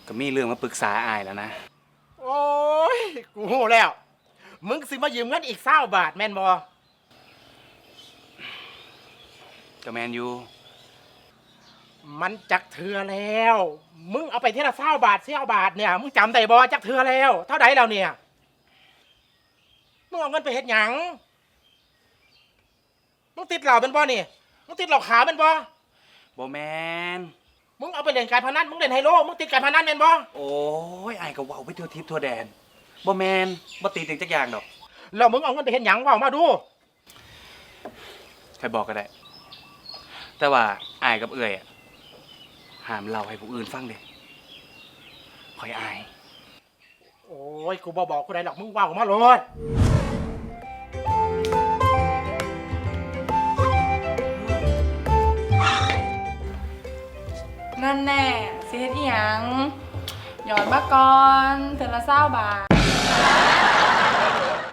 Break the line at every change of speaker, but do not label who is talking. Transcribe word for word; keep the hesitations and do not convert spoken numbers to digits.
ก็มีเรื่องมาปรึกษาอายแล้วนะ
โอ้ยกูโหแล้วมึงสิมายืมเงินอีกเศร้าบาทแม่นบอ
ก็แมนยู
มันจักเถื่อแล้วมึงเอาไปเท่าละเศร้าบาทเศร้าบาทเนี่ยมึงจำได้บอจักเถื่อแล้วเท่าไหร่แล้วเนี่ยมึงเอาเงินไปเฮ็ดหยังมึงติดเหล่าเป็นบอนี่มึงติดเหล่าขาวเป็นบอ
บ่แมน
มึงเอาไปเล่นการพนันมึงเล่นไฮโลมึงติดการพนันเป็นบอ
โอ้ยอายก็เว้าไปทั่วทิพย์ทั่วแดนบ่แมนบ่ตีถึงจักอย่างดอก
แล้วมึงเอาเงินไปเฮ็ดหยังว่ามาดู
ใครบอกก็ได้แต่ว่าอายกับเอื่อยอะห้ามเล่าให้ผู้อื่นฟังเด้คอยอาย
โอ้ยกูบอบอกกูได้หรอกมึงว่าออกมาเลย
นั่นแน่สิเฮ็ดอีหยังหยอดมาก่อนเทื่อละเศร้าบาท